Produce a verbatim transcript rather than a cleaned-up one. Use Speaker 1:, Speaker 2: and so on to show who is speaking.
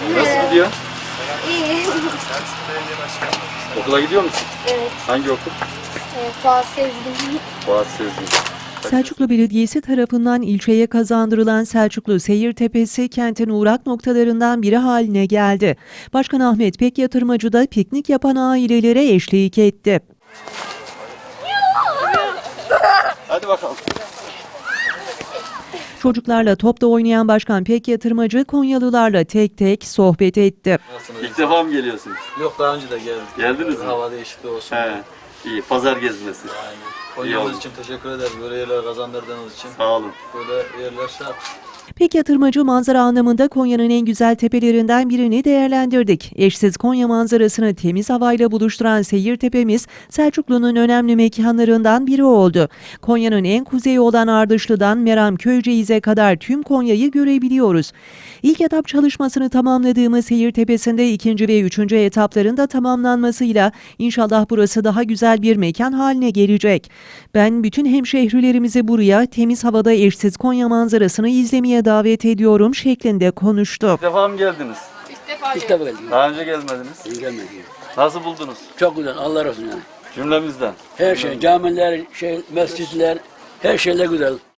Speaker 1: Nasıl gidiyor?
Speaker 2: İyi.
Speaker 1: Okula gidiyor musun?
Speaker 2: Evet.
Speaker 1: Hangi okul?
Speaker 2: Evet, Fuat Sezgin.
Speaker 1: Boğaz Sezgin.
Speaker 3: Selçuklu Belediyesi tarafından ilçeye kazandırılan Selçuklu Seyirtepesi kentin uğrak noktalarından biri haline geldi. Başkan Ahmet Pek Yatırmacı da piknik yapan ailelere eşlik etti.
Speaker 1: Hadi bakalım.
Speaker 3: Çocuklarla topta oynayan Başkan Pek Yatırmacı Konyalılarla tek tek sohbet etti.
Speaker 1: İlk defa mı geliyorsunuz?
Speaker 4: Yok, daha önce de geldim.
Speaker 1: Geldiniz mi?
Speaker 4: Hava değişikliği olsun.
Speaker 1: He. İyi. Pazar gezmesi.
Speaker 4: Yani
Speaker 1: İyi
Speaker 4: Konya'mız
Speaker 1: oldu.
Speaker 4: için teşekkür ederiz. Böyle yerler kazandırdığınız için.
Speaker 1: Sağ olun.
Speaker 4: Böyle yerler şart.
Speaker 3: Pek Yatırmacı manzara anlamında Konya'nın en güzel tepelerinden birini değerlendirdik. Eşsiz Konya manzarasını temiz havayla buluşturan Seyirtepemiz Selçuklu'nun önemli mekanlarından biri oldu. Konya'nın en kuzeyi olan Ardışlı'dan Meramköyceğiz'e kadar tüm Konya'yı görebiliyoruz. İlk etap çalışmasını tamamladığımız Seyirtepesi'nde ikinci ve üçüncü etapların da tamamlanmasıyla inşallah burası daha güzel bir mekan haline gelecek. Ben bütün hemşehrilerimizi buraya temiz havada eşsiz Konya manzarasını izlemeye davet ediyorum şeklinde konuştu.
Speaker 1: İlk defa mı geldiniz?
Speaker 5: İlk defa geldim.
Speaker 1: Daha önce gelmediniz.
Speaker 5: İyi gelmedi.
Speaker 1: Nasıl buldunuz?
Speaker 5: Çok güzel. Allah razı olsun yani.
Speaker 1: Cümlemizden.
Speaker 5: Her şey, camiler, şey, mescitler, her şeyler güzel.